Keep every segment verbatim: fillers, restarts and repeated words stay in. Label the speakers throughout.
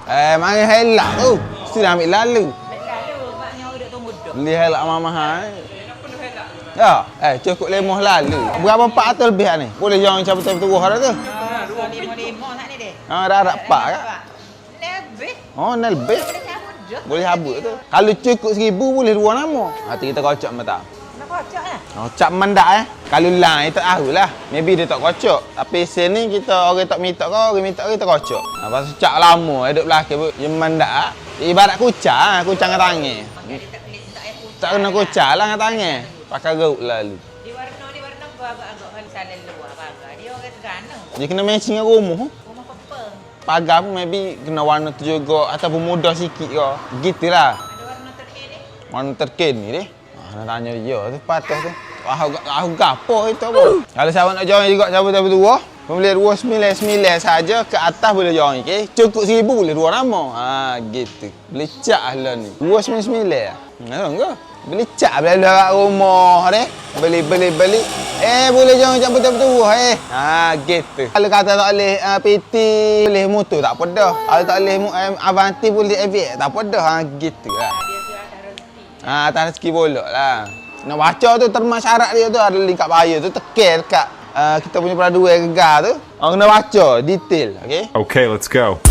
Speaker 1: Eh, mari helak tu. Mesti dah ambil lalu.
Speaker 2: Lalu maknya orang duk tunggu duk.
Speaker 1: Beli helak mahal-mahal. Ya, eh cukup lemoh lalu. Berapa pak atau lebih ni? Boleh jangan cabut cabut tuah dah tu.
Speaker 2: Ah, dua lima lima nak ni deh.
Speaker 1: Ha, dah rak pak kan?
Speaker 2: Lebih.
Speaker 1: Oh, nak lebih.
Speaker 2: Boleh cabut dah.
Speaker 1: Boleh habuk tu. Kalau cukup seribu boleh dua nama. Hati kita kocok mata.
Speaker 2: Nak kocok lah.
Speaker 1: Oh, cap mendak eh. Kalau lain tak tahu lah. Maybe dia tak kocok. Tapi sini kita orang tak minta kau, orang minta kita kocok. Ha, pasal cap lama hidup belakang yang mendak. Ibarat kucang, kucang kat tangan. Tak kena kucang lah kat tangan. Pakai gaut lalu.
Speaker 2: Di warna ni warna agak-agak kalau salah luar pagar. Dia orang Terengganu.
Speaker 1: Dia kena matching dengan rumah.
Speaker 2: Rumah pepeng.
Speaker 1: Pagar pun maybe kena warna tu juga ataupun mudah sikit ke. Gitulah.
Speaker 2: Ada warna terkini.
Speaker 1: Warna terkini ni. Ah, nak tanya dia tu patah tu. Ah, aku gapo itu apa? Kalau siapa nak join juga cabut-cabut dua, pembeli dua sembilan sembilan saja ke atas boleh join, okey. Cukup seribu boleh dua nama. Ha, gitu. Beli cak lah ni. dua sembilan sembilan. Nah, enggak. Beli cak beli kat rumah deh. Beli beli beli. Eh, boleh join cabut-cabut dua eh. Ha, gitu. Kalau kata tak boleh uh, P T, boleh motor tak apa dah. Kalau tak boleh um, Avanti boleh A V X tak apa dah. Ha, gitu lah.
Speaker 2: Dia tu atas rezeki.
Speaker 1: Ha, atas rezeki bolok lah. Nak baca tu termas syarat dia tu ada link kat bahaya tu tekan dekat uh, kita punya peraduan gegar tu. Orang kena baca detail, okey?
Speaker 3: Okay, let's go.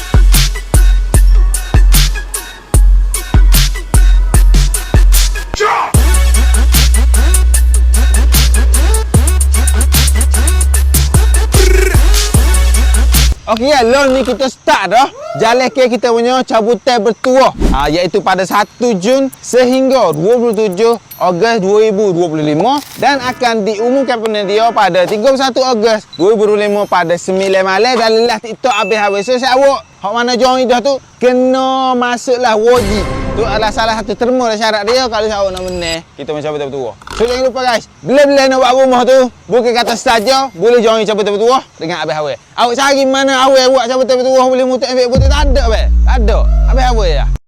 Speaker 1: Okey, ya, loan ni kita start dah. Jalan ke kita punya cabutan bertuah. Ha, iaitu pada satu Jun sehingga dua puluh tujuh Ogos dua ribu dua puluh lima dan akan diumumkan penyedia pada tiga puluh satu Ogos dua ribu dua puluh lima pada sembilan malam dan live TikTok habis-habis. So, siapa hak mana join dah tu kena masuklah wajib. Tu adalah salah satu terma dan syarat dia kalau siapa nak menang kita mencapai bertuah. So, jangan lupa guys, bila-bila nak buat rumah tu bukan kata saja boleh join capai bertuah dengan habis-habis. Awak cari mana awak buat capai bertuah boleh mutuk efek putih tak ada be. Tak ada. Habis-habis ya.